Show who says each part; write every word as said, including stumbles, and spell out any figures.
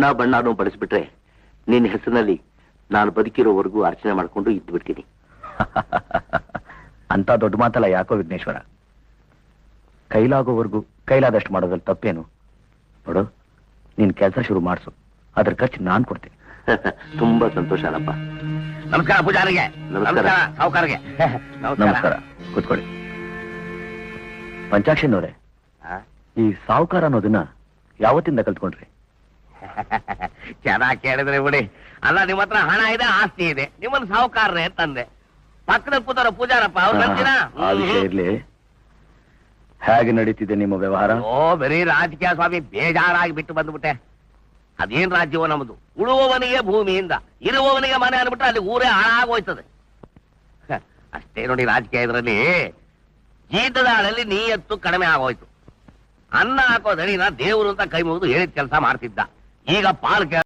Speaker 1: ಅಣ್ಣ ಬಣ್ಣನೂ ಬಳಸ್ಬಿಟ್ರೆ ನಿನ್ನ ಹೆಸರಿನಲ್ಲಿ ನಾನು ಬದುಕಿರೋವರೆಗೂ ಅರ್ಚನೆ ಮಾಡ್ಕೊಂಡು ಇದ್ದು ಬಿಡ್ತೀನಿ.
Speaker 2: ಅಂತ ದೊಡ್ಡ ಮಾತಲ್ಲ ಯಾಕೋ ವಿಘ್ನೇಶ್ವರ. ಕೈಲಾಗೋವರೆಗೂ ಕೈಲಾದಷ್ಟು ಮಾಡೋದ್ರಲ್ಲಿ ತಪ್ಪೇನು? ನೋಡು, ನೀನ್ ಕೆಲಸ ಶುರು ಮಾಡಿಸು, ಅದ್ರ ಖರ್ಚು ನಾನ್ ಕೊಡ್ತೀನಿ.
Speaker 1: ತುಂಬಾ ಸಂತೋಷ ಅಲ್ಲಪ್ಪ.
Speaker 3: ನಮಸ್ಕಾರ ಪೂಜಾರಿಗೆ.
Speaker 1: ನಮಸ್ಕಾರ
Speaker 3: ಸಾವುಕಾರರಿಗೆ.
Speaker 2: ನಮಸ್ಕಾರ, ಕೂತ್ಕೊಳ್ಳಿ. ಪಂಚಾಕ್ಷನವ್ರೆ, ಈ ಸಾವುಕಾರ ಅನ್ನೋದನ್ನ ಯಾವತ್ತಿಂದ ಕಲ್ತ್ಕೊಂಡ್ರಿ?
Speaker 3: ಚೆನ್ನಾಗಿ ಕೇಳಿದ್ರೆ ಬಿಡಿ. ಅಲ್ಲ, ನಿಮ್ಮ ಹತ್ರ ಹಣ ಇದೆ, ಆಸ್ತಿ ಇದೆ, ನಿಮ್ಮನ್ನ ಸಾವುಕಾರ್ರೆ ತಂದೆ. ಪಕ್ಕದ ಕೂತಾರ ಪೂಜಾರಪ್ಪ, ಅವ್ರು ನಂಬಿನ.
Speaker 2: ಆ ವಿಷಯ ಇರ್ಲಿ, ಹೇಗೆ ನಡೀತಿದೆ ನಿಮ್ಮ ವ್ಯವಹಾರ?
Speaker 3: ಓ, ಬರೀ ರಾಜಕೀಯ ಸ್ವಾಮಿ, ಬೇಜಾರಾಗಿ ಬಿಟ್ಟು ಬಂದ್ಬಿಟ್ಟೆ. ಅದೇನ್ ರಾಜ್ಯವೋ ನಮ್ದು. ಉಳುವವನಿಗೆ ಭೂಮಿಯಿಂದ, ಇರುವವನಿಗೆ ಮನೆ ಅಂದ್ಬಿಟ್ರೆ ಅಲ್ಲಿ ಊರೇ ಹಾಳಾಗೋಯ್ತದೆ. ಅಷ್ಟೇ ನೋಡಿ ರಾಜಕೀಯ. ಇದರಲ್ಲಿ ಜೀತದ ಆಳಲ್ಲಿ ನೀಯತ್ತು ಕಡಿಮೆ ಆಗೋಯ್ತು. ಅನ್ನ ಹಾಕೋದಣಿನ ದೇವರು ಅಂತ ಕೈ ಮುಗಿದು ಹೇಳಿದ ಕೆಲಸ ಮಾಡ್ತಿದ್ದ. ಈಗ ಪಾಲ್